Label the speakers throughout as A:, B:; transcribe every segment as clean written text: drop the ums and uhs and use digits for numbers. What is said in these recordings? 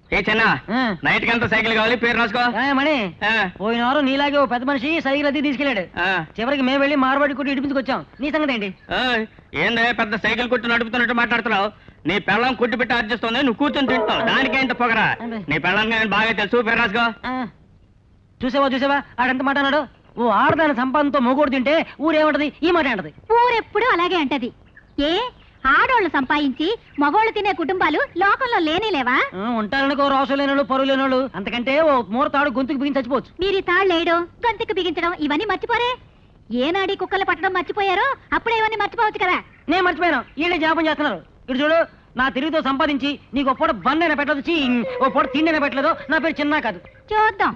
A: ఏ చిన్న నైట్ కంతా సైకిల్ కావాలి, పేరు రాసుకో.
B: మణి పోయిన వారం నీలాగే ఓ పెద్ద మనిషి సైకిల్ అది తీసుకెళ్లాడు. చివరికి మేము వెళ్ళి మార్వాడి కొట్టి ఇడిపించుకొచ్చాం. నీ సంగతి ఏంటి?
A: ఏందే పెద్ద సైకిల్ కొట్టి నడుపుతున్నట్టు మాట్లాడుతున్నావు? నీ పెళ్ళం కొట్టి పెట్టి అర్జిస్తుంది, నువ్వు కూర్చొని తింటావు. దానికేంత పొగరా? నీ పెళ్ళం బాగా తెలుసు, పేరు రాసుకో.
B: చూసావా ఆడంత మాట అన్నాడు. ఓ ఆడదాని సంపాదనతో మొగోడు తింటే ఊరేమంటది? ఈ మాట అంటది.
C: ఊరెప్పుడు అలాగే అంటది. ఏ ఆడోళ్ళు సంపాదించి మగోళ్ళు తినే కుటుంబాలు లోకంలో లేనేలేవా?
B: ఉంటారనుకో, రోషం లేనోళ్ళు, పరువు లేనోళ్ళు. అంతకంటే ఓ మూర తాడు గొంతుకు బిగించి చచ్చిపోవచ్చు.
C: మీరు తాళ్ళు వేయడం, గొంతుకు బిగించడం ఇవన్నీ మర్చిపోరే. ఏనాడి కుక్కలు పట్టడం మర్చిపోయారో అప్పుడే ఇవన్నీ మర్చిపోవచ్చు కదా.
B: నేను మర్చిపోయాను, వీళ్ళే జ్ఞాపం చేస్తున్నారు. ఇటు చూడు, నా తిరిగితో సంపాదించి నీకు ఓ పూట బండైనా పెట్టదు, ఓ పూట తిండైనా పెట్టలేదు. నా పేరు చిన్న కాదు.
C: చూద్దాం.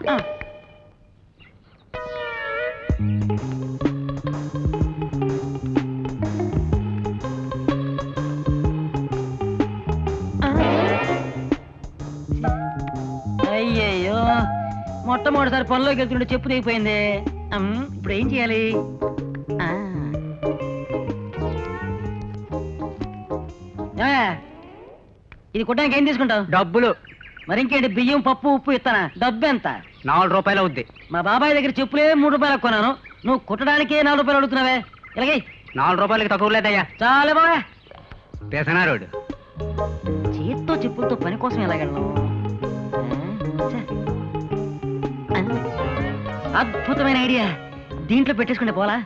B: అయ్యయ్యో, మొట్టమొదటిసారి పనిలోకి వెళ్తుంటే చెప్పు తెగిపోయింది. ఇప్పుడు ఏం చేయాలి? ఇది కుట్టడానికి ఏం తీసుకుంటావు?
A: డబ్బులు.
B: మరి ఇంకేంటి, బియ్యం పప్పు ఉప్పు ఇస్తానా? డబ్బు ఎంత?
A: 4 రూపాయలు అవుద్ది.
B: మా బాబాయ్ దగ్గర చెప్పులే 3 రూపాయలు కొన్నాను, నువ్వు కుట్టడానికే 4 రూపాయలు అడుగుతున్నావే. ఇలాగే
A: 4 రూపాయలకి తక్కువ లేదయ్యా.
B: చాలే బాబా.
A: పెసనారోడు
B: చేత్తో చెప్పులతో పని కోసం ఎలాగెళ్ళను? అద్భుతమైన ఐడియా, దీంట్లో పెట్టేసుకుంటే పోలా.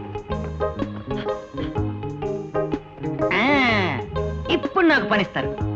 B: ఇప్పుడు నాకు పనిస్తారు.